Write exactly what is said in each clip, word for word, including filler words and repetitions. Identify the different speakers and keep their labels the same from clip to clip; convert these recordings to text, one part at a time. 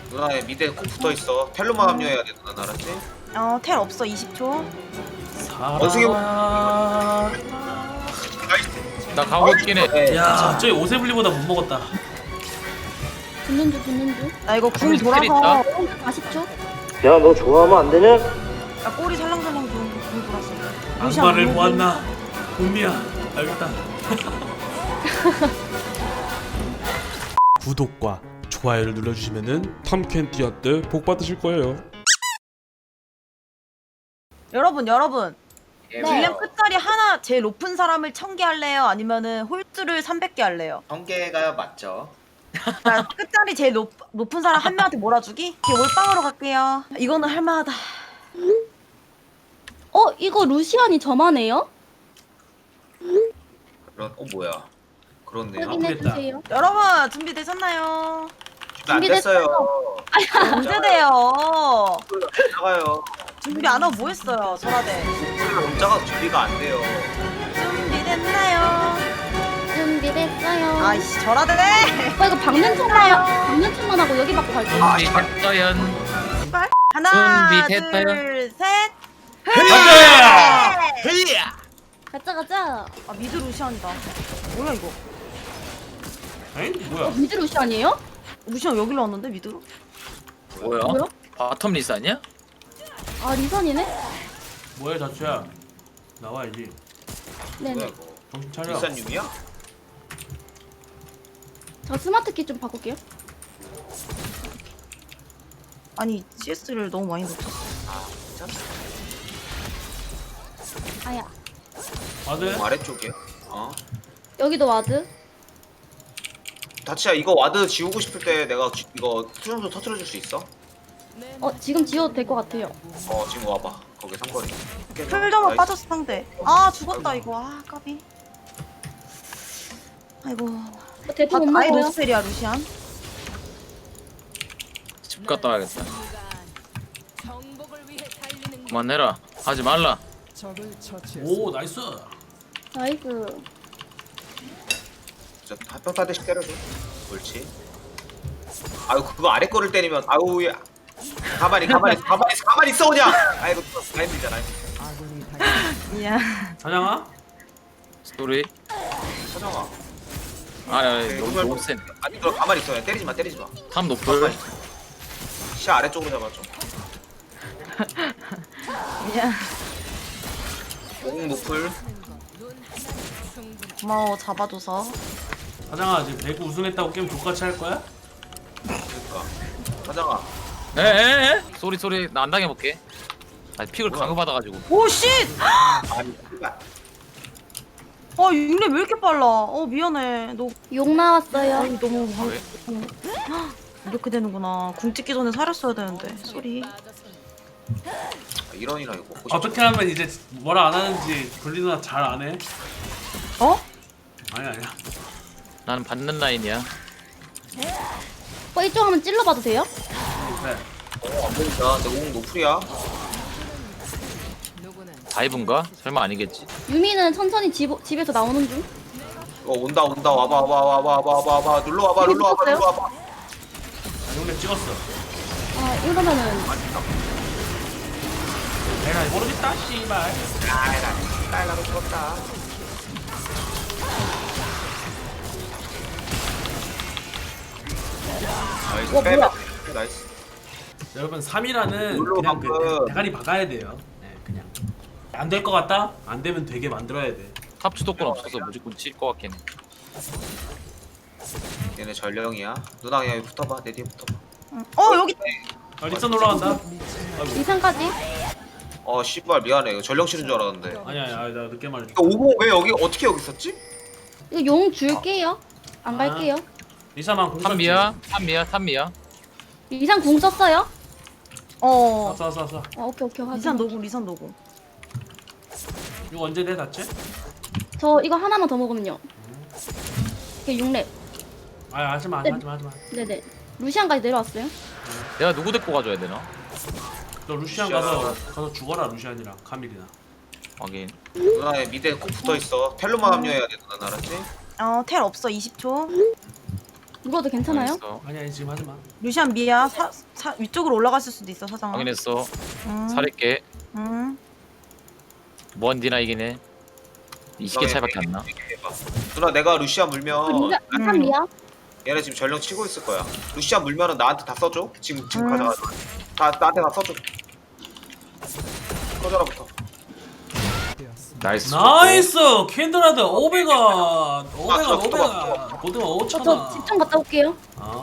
Speaker 1: 누나의 미드에 꼭 붙어있어. 텔로만 합류해야 돼 누나 알았지?
Speaker 2: 어, 텔 없어. 이십 초.
Speaker 1: 원숭이
Speaker 3: 나 가고 있긴 해.
Speaker 1: 네.
Speaker 4: 야, 저기 오세블리보다 못 먹었다.
Speaker 5: 붙는 중 붙는 중.
Speaker 2: 나 이거 궁
Speaker 3: 스킬
Speaker 2: 돌아서
Speaker 5: 사십 초.
Speaker 6: 야, 너 좋아하면 안 되냐?
Speaker 2: 나 꼬리 살랑살랑 궁, 궁 돌았어.
Speaker 4: 악마를
Speaker 2: 루시안
Speaker 4: 보았나? 봄이야. 알겠다. 구독과 좋아요를 눌러주시면은 탐켄티아 때 복 받으실 거예요.
Speaker 2: 여러분 여러분
Speaker 1: 네.
Speaker 2: 딜량 끝자리 하나 제일 높은 사람을 천 개 할래요? 아니면은 홀수를 삼백 개 할래요?
Speaker 1: 성계가 맞죠.
Speaker 2: 자, 끝자리 제일 높, 높은 사람 한 명한테 몰아주기? 오케이, 올빵으로 갈게요. 이거는 할만하다.
Speaker 5: 어 이거 루시안이 저만 해요?
Speaker 1: 그런 어 뭐야? 그렇네요.
Speaker 5: 확인해
Speaker 4: 아프겠다.
Speaker 5: 주세요.
Speaker 2: 여러분 준비되셨나요?
Speaker 1: 안 됐어요.
Speaker 2: 언제 돼요?
Speaker 1: 나가요.
Speaker 2: 준비 안 하고 뭐 했어요? 전화대.
Speaker 1: 문자가 준비가 안 돼요.
Speaker 2: 준비됐나요?
Speaker 5: 준비됐어요.
Speaker 2: 아이씨 전화대.
Speaker 5: 오빠 이거 박는 척만 박는 척만 하고 여기 받고 갈게요.
Speaker 1: 아,
Speaker 3: 준비됐어요.
Speaker 2: 씨발. 하나
Speaker 3: 준비됐어요.
Speaker 2: 둘 셋.
Speaker 4: 가자!
Speaker 1: 헤이야.
Speaker 5: 가자 가자.
Speaker 2: 아 미드 루시안이다. 뭐야 이거?
Speaker 4: 에이? 뭐야?
Speaker 5: 미드 루시안이에요?
Speaker 2: 루시안 여기로 왔는데 미드로?
Speaker 3: 뭐야?
Speaker 5: 뭐야?
Speaker 3: 바텀 리스 아니야?
Speaker 5: 아 리선이네?
Speaker 4: 뭐야 자추야? 나와야지.
Speaker 1: 뭐야
Speaker 5: 네네.
Speaker 1: 이거?
Speaker 4: 정신 차려.
Speaker 1: 일산육이야?
Speaker 5: 저 스마트 키 좀 바꿀게요.
Speaker 2: 아니 씨에스를 너무 많이 놓쳤어.
Speaker 1: 아 진짜?
Speaker 5: 아야.
Speaker 4: 아들?
Speaker 1: 뭐 아래쪽이야? 어?
Speaker 5: 여기도 와드.
Speaker 1: 다치야 이거 와드 지우고 싶을 때 내가 지- 이거 수정소 터트려줄 수 있어?
Speaker 5: 어 지금 지워도 될 것 같아요.
Speaker 1: 어 지금 와봐. 거기 삼거리.
Speaker 2: 풀점은
Speaker 1: 나이스.
Speaker 2: 빠졌어 상대. 아 죽었다 이거. 아 까비. 아이고.
Speaker 5: 어, 대포 못
Speaker 2: 아, 아예
Speaker 5: 먹어요.
Speaker 2: 노스펠이야 루시안.
Speaker 3: 집 갔다 와야겠다. 그만해라. 하지 말라.
Speaker 4: 오 나이스.
Speaker 5: 나이스.
Speaker 1: 진짜 한평 타대씩 때려줘. 옳지. 아유 그거 아래 거를 때리면 아우 야. 가만히 가만히 있어, 가만히 있어, 가만히 있어 그냥. 아이고 라인이잖아.
Speaker 2: 미안.
Speaker 4: 사냥아?
Speaker 3: 스토리.
Speaker 1: 서정아.
Speaker 3: 아, 야,
Speaker 1: 네,
Speaker 3: 너무
Speaker 1: 이걸
Speaker 3: 너무
Speaker 1: 뭐-
Speaker 3: 센.
Speaker 1: 아니 너 가만히 있어. 그냥 때리지 마, 때리지 마.
Speaker 3: 탑 노플.
Speaker 1: 시 아래쪽으로 잡아줘.
Speaker 2: 미안.
Speaker 1: 응 노플.
Speaker 2: 고마워 잡아줘서.
Speaker 4: 사장아 지금 배구 우승했다고 게임 족같이 할 거야?
Speaker 1: 그러니까. 서정아.
Speaker 3: 에에에. 쏘리 쏘리. 나 안 당해볼게. 아니 픽을
Speaker 1: 뭐야?
Speaker 3: 강요받아가지고.
Speaker 2: 오 씨.
Speaker 1: 아니 씨발.
Speaker 2: 아 육렙 왜 이렇게 빨라? 어 미안해. 너
Speaker 5: 욕 나왔어요.
Speaker 2: 아니 너무 방...
Speaker 3: 왜?
Speaker 2: 이렇게 되는구나. 궁 찍기 전에 살았어야 되는데. 쏘리.
Speaker 1: 아, 이런이나 이거. 보고
Speaker 4: 어떻게 하면 이제 뭐라 안 하는지 블리 누나 잘 안 해?
Speaker 2: 어?
Speaker 4: 아니 아니야.
Speaker 3: 나는 받는 라인이야.
Speaker 5: 오빠 이쪽 한번 찔러봐도 돼요?
Speaker 4: 그래.
Speaker 1: 어, 안 보인다. 내 공 노플이야.
Speaker 3: 다이브인가? 설마 아니겠지.
Speaker 5: 유미는 천천히 집, 집에서 나오는 중.
Speaker 1: 어 온다 온다 와봐 와봐 와봐 와봐 와봐 와봐 눌러 와봐
Speaker 5: 이거
Speaker 1: 눌러 와봐
Speaker 5: 찍었어요?
Speaker 1: 눌러 와봐.
Speaker 4: 아, 용렙 찍었어.
Speaker 5: 아 이러면은
Speaker 4: 내가 모르겠다 씨발.
Speaker 1: 아이라 딸라로 죽었다. 나이스
Speaker 5: 와,
Speaker 1: 빼,
Speaker 5: 뭐야?
Speaker 1: 빼, 나이스.
Speaker 4: 여러분 삼 위라는
Speaker 1: 물로
Speaker 4: 그냥 그
Speaker 1: 방금-
Speaker 4: 대- 대가리 박아야 돼요. 네 그냥. 안 될 것 같다? 안 되면 되게 만들어야 돼.
Speaker 3: 탑 주도권 없어서 무조건 칠 것 같긴 해.
Speaker 1: 얘네 전령이야. 누나 그냥 여기 붙어봐. 내 뒤에 붙어봐.
Speaker 2: 응. 어 여기.
Speaker 4: 아 리선 올라간다. 아이고.
Speaker 5: 이상까지.
Speaker 1: 어 씨발 미안해. 이거 전령 치는 줄 알았는데.
Speaker 4: 아니야 아니야 나 늦게 말해줘.
Speaker 1: 이거 오공 왜 여기 어떻게 여기 있었지?
Speaker 5: 이거 용 줄게요. 안
Speaker 4: 아.
Speaker 5: 갈게요.
Speaker 4: 리사만 공선.
Speaker 3: 탑미야. 탑미야. 탑미야.
Speaker 5: 이상 궁 썼어요?
Speaker 2: 어.
Speaker 4: 쏴쏴 쏴.
Speaker 5: 아 오케이 오케이 확인.
Speaker 2: 리산 노구 리산 노구.
Speaker 4: 이거 언제 돼 다치?
Speaker 5: 저 이거 하나만 더 먹으면요. 이게 육 렙.
Speaker 4: 아 하지마
Speaker 5: 네.
Speaker 4: 하지마 하지마.
Speaker 5: 네네. 루시안까지 내려왔어요.
Speaker 3: 내가 누구 데리고 가줘야 되나?
Speaker 4: 너 루시안 가서 가서 죽어라 루시안이랑 카밀이나.
Speaker 3: 확인.
Speaker 1: 누나의 미드에 꼭 붙어 있어. 텔로만 합류해야 돼. 누나 알았지?
Speaker 2: 어 텔 없어. 이십 초.
Speaker 5: 죽어도 괜찮아요?
Speaker 3: 확인했어.
Speaker 4: 아니 아니 지금 하지 마.
Speaker 2: 루시안 미야 사, 사 위쪽으로 올라갔을 수도 있어 사장아.
Speaker 3: 확인했어.
Speaker 2: 음.
Speaker 3: 살릴게.
Speaker 2: 음.
Speaker 3: 뭔디나 이기네. 이십 개 차이밖에 안 나.
Speaker 1: 해봐. 누나 내가 루시안 물면
Speaker 5: 리사 리사 미야.
Speaker 1: 얘네 지금 전령 치고 있을 거야. 루시안 물면은 나한테 다 써줘. 지금 지금
Speaker 2: 음.
Speaker 1: 가져가. 다 나한테 다 써줘. 꺼져라부터.
Speaker 3: 나이스.
Speaker 4: 나이스 캔드라드 오백원 오백원
Speaker 1: 아,
Speaker 4: 오백원 고등어 오천
Speaker 5: 저
Speaker 4: 원.
Speaker 5: 집 좀 갔다 올게요.
Speaker 4: 아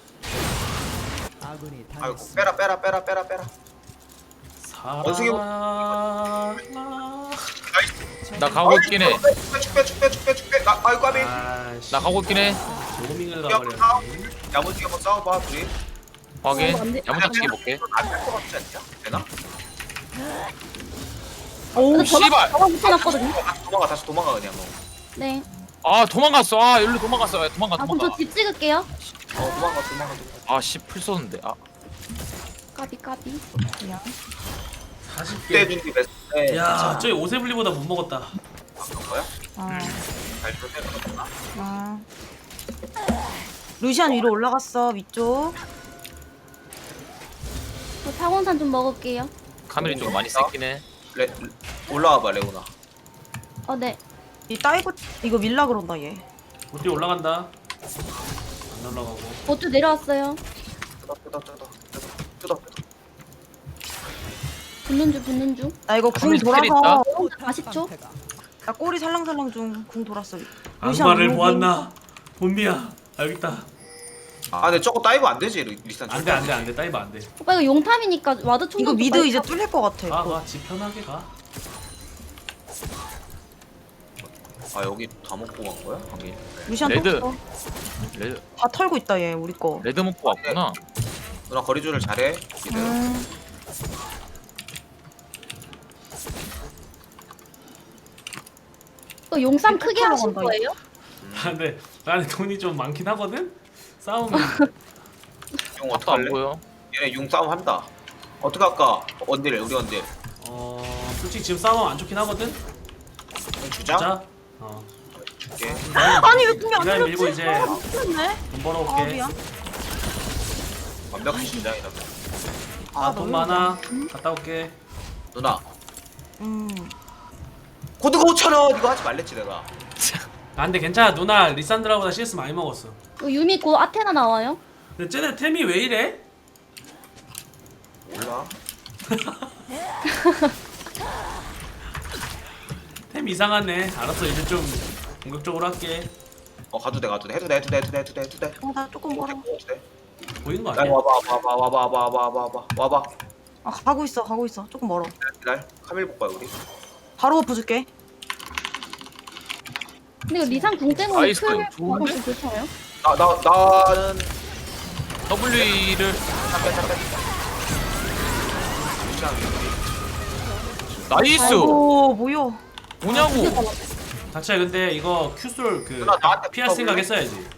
Speaker 1: 아이고 빼라 빼라 빼라 빼라 빼라. 원숭이 뭐-
Speaker 4: 사랑.
Speaker 3: 나 가고 있긴 해.
Speaker 1: 빼빼빼빼빼빼. 나 아이고 까비.
Speaker 4: 아씨.
Speaker 3: 나 가고 있긴 해.
Speaker 4: 조밍을
Speaker 1: 야,
Speaker 4: 가버려.
Speaker 1: 야무지게 한번 싸워봐 둘이.
Speaker 3: 확인.
Speaker 5: 어, 안 돼.
Speaker 3: 야무짝치기 볼게.
Speaker 1: 안될 것 같지 않냐? 되나?
Speaker 2: 오
Speaker 3: 씨발.
Speaker 5: 저거 붙여놨거든요.
Speaker 1: 다시 도망가 다시 도망가 그냥 뭐.
Speaker 5: 네.
Speaker 3: 아 도망갔어. 아 여기로 도망갔어. 야, 도망가
Speaker 5: 아 그럼
Speaker 3: 도망가.
Speaker 5: 저 집 찍을게요.
Speaker 1: 어 도망가 도망가. 도망가.
Speaker 3: 아씨 풀 쏘는데. 아
Speaker 5: 까비 까비.
Speaker 2: 그냥.
Speaker 4: 사십
Speaker 1: 그때
Speaker 4: 개.
Speaker 1: 준비 베스트.
Speaker 4: 야 저기 오세블리보다 못 먹었다.
Speaker 1: 바꾼 거야?
Speaker 2: 어.
Speaker 1: 잘 조절해놨구나.
Speaker 2: 어. 루시안 위로 올라갔어 위쪽.
Speaker 5: 저 타곤산 좀 먹을게요.
Speaker 3: 카멜이 좀 많이 셌긴 해.
Speaker 1: 레 올라와봐 레오나.
Speaker 5: 어 네.
Speaker 2: 이 다이브 이거 밀라 그런다 얘.
Speaker 4: 우리 올라간다. 안 올라가고.
Speaker 5: 어쭈 내려왔어요.
Speaker 1: 뜯어 뜯어 뜯어 뜯어 뜯어 뜯어.
Speaker 5: 붙는 중 붙는 중.
Speaker 2: 나 이거 궁
Speaker 3: 카밀 스킬이
Speaker 2: 돌아서
Speaker 5: 사십 초.
Speaker 2: 나 꼬리 살랑살랑 중 궁 돌았어.
Speaker 4: 악마를
Speaker 2: 위로
Speaker 4: 보았나? 본미야. 여기 있다.
Speaker 1: 아 근데 저거 다이브 안 되지 리- 리산.
Speaker 4: 안돼 안돼 안돼 다이브 안돼.
Speaker 5: 오빠 이거 용탐이니까 와드 충전.
Speaker 2: 이거
Speaker 5: 좀
Speaker 2: 미드
Speaker 5: 빨리
Speaker 2: 이제
Speaker 5: 하고.
Speaker 2: 뚫릴 것 같아. 이거.
Speaker 4: 가가지 편하게 가.
Speaker 1: 아 여기 다 먹고 간 거야? 방금.
Speaker 2: 루시안
Speaker 3: 레드.
Speaker 2: 또
Speaker 3: 레드
Speaker 2: 다 털고 있다 얘 우리 거.
Speaker 3: 레드 먹고 왔구나.
Speaker 1: 누나 거리줄을 잘해. 미드.
Speaker 2: 음.
Speaker 5: 이거 용삼 크게
Speaker 2: 하러
Speaker 5: 하실
Speaker 2: 간다,
Speaker 5: 거예요?
Speaker 4: 아, 근데 나는 돈이 좀 많긴 하거든. 싸우면
Speaker 1: 용
Speaker 3: 앞도
Speaker 1: 어떡할래?
Speaker 3: 안 보여.
Speaker 1: 얘네 용 싸움 한다. 어떻게 할까? 원딜 우리 원딜.
Speaker 4: 어 솔직히 지금 싸우면 안 좋긴 하거든.
Speaker 1: 용 주자.
Speaker 4: 자. 어.
Speaker 1: 줄게.
Speaker 2: 아니 왜 궁이 안
Speaker 4: 기다려, 밀고
Speaker 2: 밀렸지?
Speaker 4: 이제.
Speaker 2: 아 미쳤네.
Speaker 4: 돈
Speaker 2: 아
Speaker 4: 벌어올게.
Speaker 2: 미안.
Speaker 1: 완벽히 주자 이러면.
Speaker 2: 아,
Speaker 4: 아돈
Speaker 2: 너무
Speaker 4: 많아. 갔다 올게.
Speaker 1: 누나
Speaker 2: 음.
Speaker 1: 코드가 오천 원 이거 하지 말랬지 내가.
Speaker 4: 아 근데 괜찮아 누나 리산드라보다 씨에스 많이 먹었어.
Speaker 5: 이거 유미 곧 아테나 나와요.
Speaker 4: 근데 쟤네 템이 왜 이래?
Speaker 1: 몰라.
Speaker 4: 템 이상하네. 알았어 이제 좀 공격적으로 할게.
Speaker 1: 어 가도 돼 가도 돼 해도 돼 해도 돼 해도 돼 해도 돼 해도 돼.
Speaker 2: 어, 나 조금 멀어.
Speaker 1: 해도 돼.
Speaker 4: 보이는 거
Speaker 1: 야
Speaker 4: 아니야?
Speaker 1: 와봐 와봐 와봐 와봐 와봐 와봐 와봐.
Speaker 2: 아 가고 있어 가고 있어 조금 멀어.
Speaker 1: 날 카밀 볼 거야 우리.
Speaker 2: 바로 버프 줄게.
Speaker 5: 근데 이거 리산 궁 때문에
Speaker 3: 아이스
Speaker 5: 풀
Speaker 3: 크림 좋은데?
Speaker 5: 좀 괜찮아요?
Speaker 1: 나 나 나는
Speaker 3: W를
Speaker 1: 잠깐 잠깐. 루시안
Speaker 3: 나이스.
Speaker 2: 오 뭐야?
Speaker 3: 뭐냐고.
Speaker 4: 닥쳐야 근데 이거 큐솔 그
Speaker 1: 누나, 나한테
Speaker 4: 피할
Speaker 1: 붙어볼래?
Speaker 4: 생각 했어야지.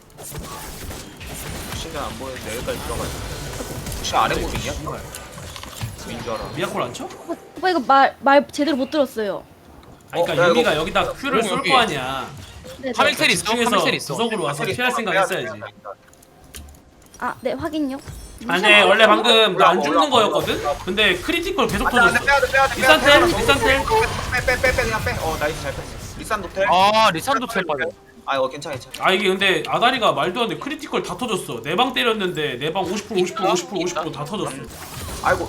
Speaker 1: 루시안 안 보이는데 여기까지 들어가. 루시안 아래 고민이야?
Speaker 4: 씨발.
Speaker 1: 민줄 알아.
Speaker 4: 미야콜 안 쳐?
Speaker 5: 오빠 이거 말 말 제대로 못 들었어요.
Speaker 4: 아니
Speaker 1: 어,
Speaker 4: 그러니까
Speaker 1: 야,
Speaker 4: 유미가
Speaker 1: 이거-
Speaker 4: 여기다 큐를
Speaker 3: 어,
Speaker 4: 쏠
Speaker 3: 여기.
Speaker 4: 거 아니야.
Speaker 5: 네,
Speaker 3: 카밀
Speaker 5: 네.
Speaker 3: 텔 있어.
Speaker 4: 중에서
Speaker 3: 카밀 텔 있어.
Speaker 4: 구석으로 와서 피할 생각 했어야지.
Speaker 5: 아, 네 확인요.
Speaker 4: 아니 원래 방금 나 안
Speaker 1: 올라와,
Speaker 4: 죽는
Speaker 1: 올라와,
Speaker 4: 거였거든?
Speaker 1: 올라와.
Speaker 4: 근데 크리티컬 계속
Speaker 1: 안돼 안돼
Speaker 4: 터졌어.
Speaker 1: 빼야돼 빼야돼.
Speaker 4: 리산텔? 리산텔?
Speaker 1: 빼빼빼빼 그냥 빼. 어 나이스 잘 뺐어. 리산 노텔.
Speaker 3: 아 리산도 텔 빠져.
Speaker 1: 아 이거 괜찮아 괜찮아.
Speaker 4: 아 이게 근데 아다리가 말도 안 돼. 크리티컬 다 터졌어. 내 방 때렸는데 내 방 오십 퍼센트 오십 퍼센트 오십 퍼센트 오십 퍼센트 다 터졌어.
Speaker 1: 아이고.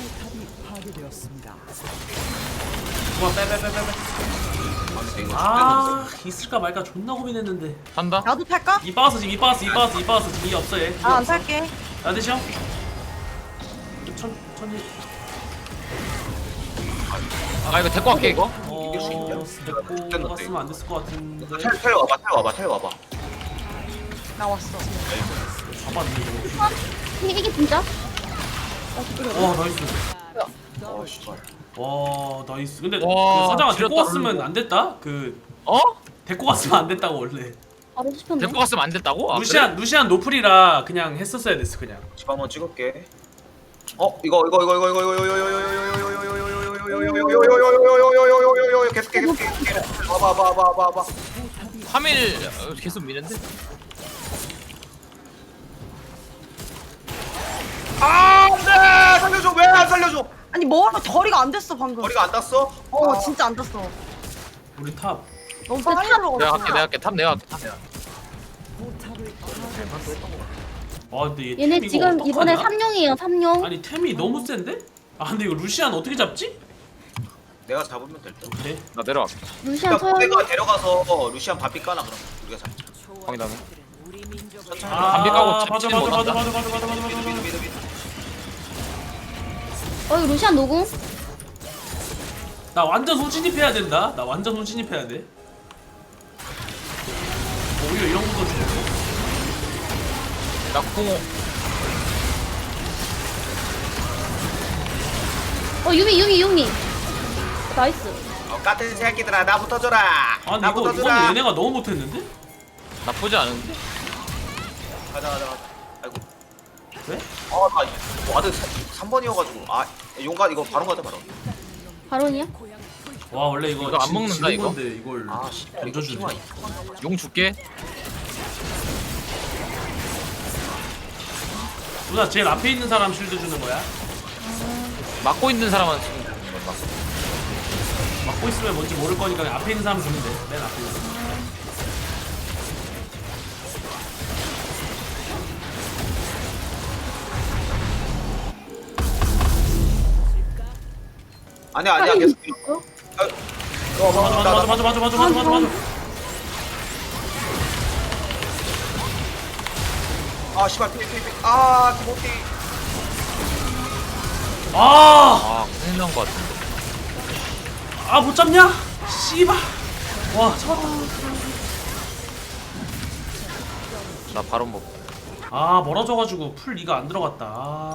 Speaker 4: 그만 빼빼빼빼빼.
Speaker 1: 아 근데 이거
Speaker 4: 아 있을까 말까 존나 고민했는데.
Speaker 3: 산다.
Speaker 2: 나도 탈까?
Speaker 4: 이 박스 지금 이 박스 이 박스 이 박스 지금 이 없어 얘.
Speaker 2: 아 안 탈게.
Speaker 4: 나 드셔. 천 천이.
Speaker 3: 아 이거 데리고 갈게 이거.
Speaker 1: 이길 수 있냐?
Speaker 4: 어 데리고 갔으면 안 됐을 것 같은데.
Speaker 1: 텔, 텔 와봐 텔 와봐 텔 와봐.
Speaker 2: 나 왔어.
Speaker 4: 잡았네 이거.
Speaker 5: 이게 이게 진짜?
Speaker 4: 와 나이스.
Speaker 1: 어 씨발.
Speaker 4: 와 나이스. 근데
Speaker 3: 와,
Speaker 4: 그 사장아 데리고
Speaker 3: 지렸다,
Speaker 4: 갔으면
Speaker 3: 그리고.
Speaker 4: 안 됐다. 그
Speaker 3: 어?
Speaker 4: 데리고 갔으면 안 됐다고 원래.
Speaker 5: 바로 씹혔네.
Speaker 3: 데리고 갔으면 안 됐다고? 아,
Speaker 4: 루시안 루시안 노플이라 그냥 했었어야 됐어 그냥.
Speaker 1: 집 한번 찍을게. 어 이거 이거 이거 이거 이거 이거 이거 이거 이거 이거 계속해 계속해 계속해. 와봐 와봐 와봐 와봐.
Speaker 3: 카밀 어, 계속 미는데?
Speaker 1: 살려줘.
Speaker 2: 아니 뭐 덜이가 안 됐어 방금.
Speaker 1: 머리가 안 닿았어?
Speaker 2: 어
Speaker 1: 아,
Speaker 2: 진짜 안 됐어.
Speaker 4: 우리 탑.
Speaker 2: 너무
Speaker 5: 근데
Speaker 2: 빨리
Speaker 5: 탑-
Speaker 2: 들어갔어.
Speaker 3: 내가 할게 내가 할게 탑 내가 할게 탑 내가 할게.
Speaker 4: 아 근데 얘
Speaker 5: 얘네
Speaker 4: 템 이거
Speaker 5: 지금 이번에
Speaker 4: 어떡하냐?
Speaker 5: 삼룡이에요 삼룡.
Speaker 4: 아니 템이 너무 센데? 아 근데 이거 루시안 어떻게 잡지?
Speaker 1: 내가 잡으면 될 듯.
Speaker 4: 그래.
Speaker 3: 나 내려갈게.
Speaker 5: 루시안
Speaker 1: 그러니까
Speaker 5: 서열.
Speaker 1: 내가 데려가서 루시안 바삐 까나 그럼 우리가 잡자.
Speaker 3: 확인하네.
Speaker 1: 천천히.
Speaker 4: 아
Speaker 3: 담배 까고
Speaker 4: 맞아
Speaker 3: 잡지는
Speaker 4: 맞아 맞아
Speaker 3: 못한다.
Speaker 4: 맞아 맞아 맞아 맞아
Speaker 1: 미드 미드
Speaker 4: 맞아.
Speaker 1: 미드 미드.
Speaker 5: 어 이거 루시안 노궁.
Speaker 4: 나 완전 소진입해야 된다. 나 완전 소진입해야 돼. 오히려 이런 것도 좋고.
Speaker 3: 나 콩.
Speaker 5: 어 유미 유미 유미. 나이스.
Speaker 1: 어, 같은 새끼들아 나 붙어줘라.
Speaker 4: 아니
Speaker 1: 나
Speaker 4: 이거
Speaker 1: 붙어줘라.
Speaker 4: 이거는 얘네가 너무 못했는데?
Speaker 3: 나쁘지 않은데.
Speaker 1: 가자 가자 가자. 아이고.
Speaker 4: 왜?
Speaker 1: 아나 와드 삼 번이어가지고 아 용가 이거 바로 가자 바로.
Speaker 5: 바론이야?
Speaker 4: 와 원래 이거,
Speaker 3: 이거 안
Speaker 4: 진-
Speaker 3: 먹는다,
Speaker 4: 지는
Speaker 3: 이거?
Speaker 4: 건데 이걸
Speaker 1: 아 씨발 이거
Speaker 4: 던져주네.
Speaker 1: 키마.
Speaker 3: 용 줄게.
Speaker 4: 누나 제일 앞에 있는 사람 쉴드 주는 거야?
Speaker 3: 막고 있는 사람한테 주는 거야.
Speaker 4: 막고 있으면 뭔지 모를 거니까 그냥 앞에 있는 사람 주면 돼. 맨 앞에 있는 사람.
Speaker 1: 아니야 아니야 계속. 아, 어
Speaker 4: 맞아 맞아 맞아 맞아 맞아 맞아 맞아 맞아 맞아.
Speaker 1: 아 씨발 피피 피. 아 기모티.
Speaker 4: 아!
Speaker 3: 아 큰일 난거 같은데.
Speaker 4: 아 못 잡냐? 씨발. 와 잡았다.
Speaker 3: 나 바로 먹고.
Speaker 4: 아 멀어져가지고 풀 이가 안 들어갔다. 아.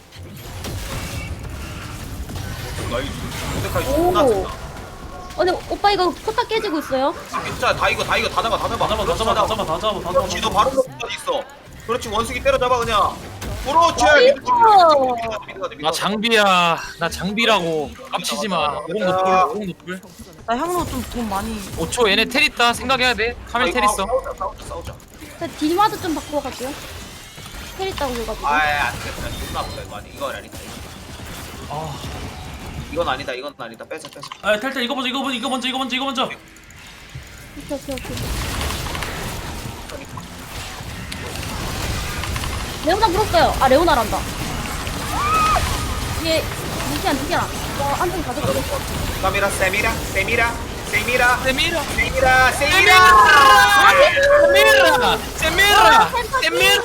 Speaker 1: 나이 모데카이
Speaker 5: 오.
Speaker 1: 존나 좋다.
Speaker 5: 어 근데 오빠 이거 포탑 깨지고 있어요.
Speaker 1: 아, 진짜 다 이거 다 이거 다 잡아 다 잡아.
Speaker 4: 다 잡아 다 잡아 다 잡아 다 잡아 다 잡아.
Speaker 1: 그렇지 너 바로 먹까지 있어. 그렇지 원숭이 때려잡아 그냥. 그렇지.
Speaker 5: 나이스.
Speaker 1: 미드 가자, 미드 가자, 미드 가자, 미드
Speaker 3: 나
Speaker 1: 가자.
Speaker 3: 장비야. 나 장비라고. 깝치지 마. 오공 노플. 오공 노플.
Speaker 2: 나 향로 좀 돈 많이.
Speaker 3: 오 초 얘네 텔 있다. 생각해야 돼. 카멜 텔 있어.
Speaker 1: 싸우자 싸우자 싸우자.
Speaker 5: 저 딜마드 좀 바꾸어 갈게요. 텔 있다고 그래가지고.
Speaker 1: 아안 되겠다. 존나 아프다 이거 아니 이건 아니다.
Speaker 4: 아,
Speaker 1: 이건 아니다 이건 아니다. 빼자 빼자.
Speaker 4: 아 탈탈 이거 먼저 이거 먼저 이거 먼저 이거 먼저 이거 먼저.
Speaker 5: 오케이 오케이 오케이. 레오나 물었어요. 아 레오나란다. 얘 루시안 루시안. 어 한점 가져가.
Speaker 1: 카미라 세미라 세미라 세미라
Speaker 3: 세미라.
Speaker 1: 세미라 세미라.
Speaker 3: 세미라. 세미라. 세미라.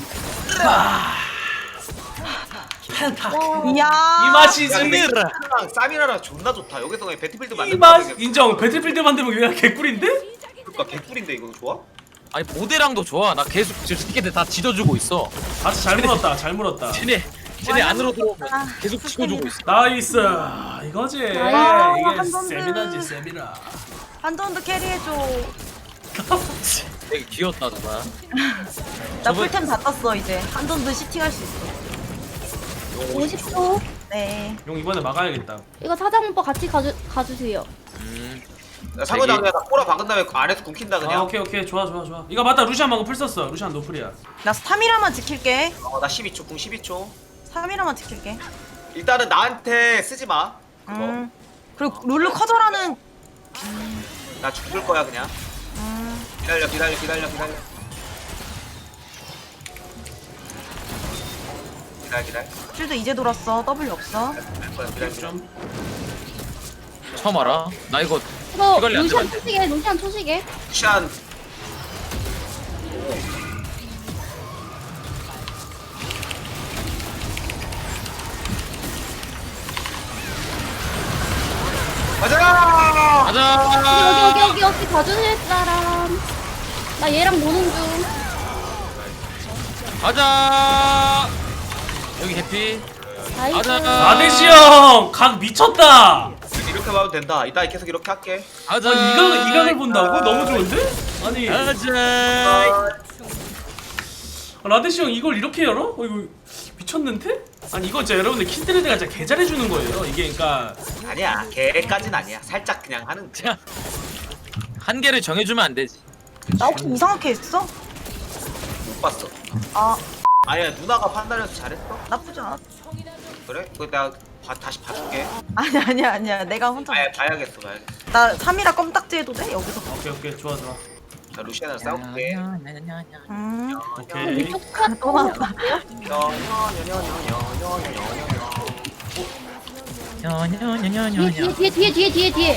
Speaker 2: 이야.
Speaker 4: 이 맛이
Speaker 1: 야, 근데
Speaker 4: 승리.
Speaker 1: 사미라랑 사미라랑 존나 좋다. 여기서 그냥 배틀필드
Speaker 4: 이
Speaker 1: 만들면
Speaker 4: 맛 인정. 배틀필드 만들면 그냥 개꿀인데?
Speaker 1: 그러니까 개꿀인데 이거 좋아?
Speaker 3: 아니 모델랑도 좋아. 나 계속 저 새끼들 다 지져주고 있어.
Speaker 4: 아치 잘 물었다 잘 물었다.
Speaker 3: 쟤네 쟤네 안으로 들어오면 계속 치고주고 있어.
Speaker 4: 나이스 이거지.
Speaker 5: 아,
Speaker 4: 이게
Speaker 2: 한 번도.
Speaker 4: 세미나지 세미나.
Speaker 2: 한돈도 캐리해줘.
Speaker 3: 되게 귀엽다 정말.
Speaker 2: 나
Speaker 3: 저번-
Speaker 2: 풀템 다 땄어 이제. 한돈도 시팅할 수 있어.
Speaker 5: 오십 초.
Speaker 2: 네.
Speaker 4: 용 이번에 막아야겠다.
Speaker 5: 이거 사장 오빠 같이 가주 가주세요.
Speaker 3: 음.
Speaker 1: 사고장
Speaker 3: 되게-
Speaker 1: 그냥 나 꼬라 박은 다음에 그 안에서 굶긴다
Speaker 4: 아
Speaker 1: 그냥.
Speaker 4: 오케이 오케이 좋아 좋아 좋아. 이거 맞다 루시안 방금 풀 썼어. 루시안 노플이야.
Speaker 2: 나 스타미라만 지킬게.
Speaker 1: 어, 나 십이 초 궁 십이 초.
Speaker 2: 스타미라만 지킬게.
Speaker 1: 일단은 나한테 쓰지 마. 그거.
Speaker 2: 음. 그리고 룰루 커져라는.
Speaker 1: 나 죽을 거야 그냥.
Speaker 2: 음.
Speaker 1: 기다려 기다려 기다려 기다려. 기다려 기다려.
Speaker 2: 쉴드 이제 돌았어. W 없어.
Speaker 1: 기다릴 거야 기다려 기다려.
Speaker 4: 좀.
Speaker 3: 처음 알아? 나 이거
Speaker 5: 이거
Speaker 3: 이걸리 안
Speaker 5: 루시안
Speaker 3: 들어간대.
Speaker 5: 초시계 루시안 초시계.
Speaker 1: 시안. 가자!
Speaker 3: 가자.
Speaker 5: 여기 여기 여기 여기 가주실 사람. 나 얘랑 노는 중.
Speaker 3: 가자. 여기 해피.
Speaker 5: 나이스.
Speaker 3: 가자.
Speaker 4: 나대시 형! 각 미쳤다!
Speaker 1: 이렇게 하면 된다. 이따 계속 이렇게 할게.
Speaker 3: 가자.
Speaker 4: 아, 이각, 이각을 본다고? 너무 좋은데? 아니,
Speaker 3: 가자.
Speaker 4: 아, 라데시 형 이걸 이렇게 열어? 어, 이거 미쳤는데? 아니, 이거 진짜 여러분들 킨드레드가 진짜 개 잘해주는 거예요. 이게 그니까.
Speaker 1: 아니야. 걔까진 아니야. 살짝 그냥 하는.
Speaker 3: 자, 한계를 정해주면 안 되지.
Speaker 2: 나 혹시 이상하게 했어?
Speaker 1: 못 봤어.
Speaker 2: 아.
Speaker 1: 아니야 누나가 판단해서 잘했어.
Speaker 2: 나쁘지 않아.
Speaker 1: 그래? 그 내가 봐, 다시 봐줄게.
Speaker 2: 아니 아니야 아니야. 내가 혼자.
Speaker 1: 아 봐야겠어 봐야겠어.
Speaker 2: 나 삼 일아 껌딱지 해도 돼 여기서?
Speaker 4: 오케이 오케이 좋아 좋아.
Speaker 1: 자 루시안을 싸울게.
Speaker 2: 음.
Speaker 4: 오케이.
Speaker 2: 또 맞다.
Speaker 5: 뒤에 뒤에 뒤에 뒤에 뒤에 뒤에.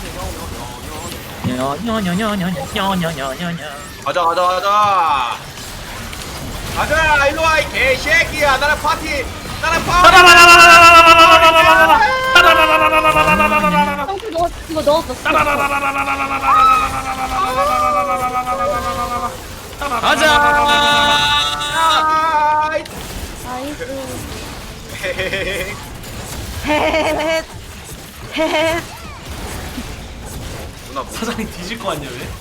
Speaker 1: 가자 가자 가자. 가자 일로와 이 개새끼야. 나랑 파티. 나랑 파티.
Speaker 5: 형수 넣었 이거 넣었어.
Speaker 3: 가자.
Speaker 1: 아이.
Speaker 5: 나이스.
Speaker 1: 헤헤헤헤.
Speaker 2: 헷. 헷.
Speaker 1: 누나 뭐?
Speaker 4: 사장님 뒤질 거 아니야 왜?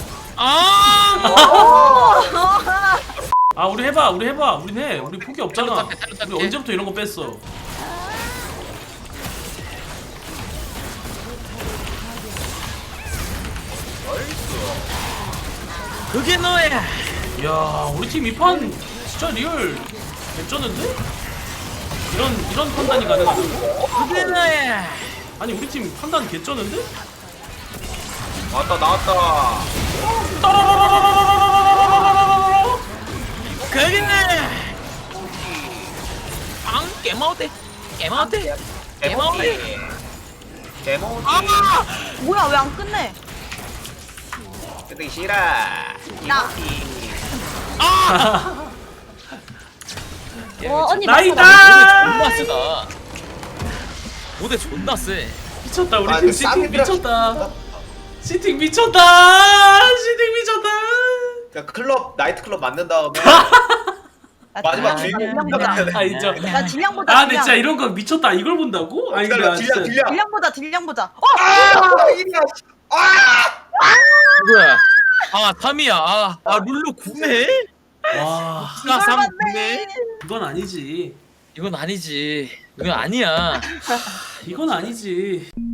Speaker 3: 아!
Speaker 4: 아 우리 해봐 우리 해봐 우린 해 우리 포기 없잖아.
Speaker 3: 탈로 탈게, 탈로 탈게.
Speaker 4: 우리 언제부터 이런 거 뺐어?
Speaker 3: 그게 너야.
Speaker 4: 이야 우리 팀 이 판 진짜 리얼 개쩌는데? 이런 이런 판단이 가능하다.
Speaker 3: 그게 너야.
Speaker 4: 아니 우리 팀 판단 개쩌는데?
Speaker 1: 나왔다 나왔다.
Speaker 3: 그게 너야. 앙 깨마오대. 깨마오대.
Speaker 1: 개모기. 개모기.
Speaker 3: 아!
Speaker 2: 뭐야 왜 안 끝내?
Speaker 1: 근데 싫어.
Speaker 2: 나.
Speaker 3: 아!
Speaker 5: 어 언니
Speaker 4: 나이다!
Speaker 3: 존나 세다. 모델 존나 세.
Speaker 4: 미쳤다 우리
Speaker 1: 아,
Speaker 4: 팀
Speaker 1: 그
Speaker 4: 시팅
Speaker 1: 쌍이들아.
Speaker 4: 미쳤다. 시팅 미쳤다. 시팅 미쳤다.
Speaker 1: 그냥 클럽 나이트 클럽 만든 다음에
Speaker 2: 나
Speaker 1: 마지막
Speaker 2: 딜량
Speaker 1: 주인공
Speaker 2: 보자.
Speaker 4: 아 인정.
Speaker 2: 나 딜량 보자.
Speaker 4: 아 근데 진짜
Speaker 2: 딜량.
Speaker 4: 이런 거 미쳤다. 이걸 본다고? 아니 근데
Speaker 1: 기다려
Speaker 4: 아,
Speaker 1: 딜량
Speaker 4: 진짜
Speaker 1: 딜량.
Speaker 2: 딜량 보자. 딜량 보자. 어.
Speaker 1: 아 이리야. 아.
Speaker 3: 누구야? 아 삼이야. 아, 아 룰루 구네?
Speaker 4: 와
Speaker 3: 나 삼
Speaker 2: 맞네.
Speaker 3: 구네?
Speaker 4: 이건 아니지.
Speaker 3: 이건 아니지. 이건 아니야.
Speaker 4: 이건 아니지.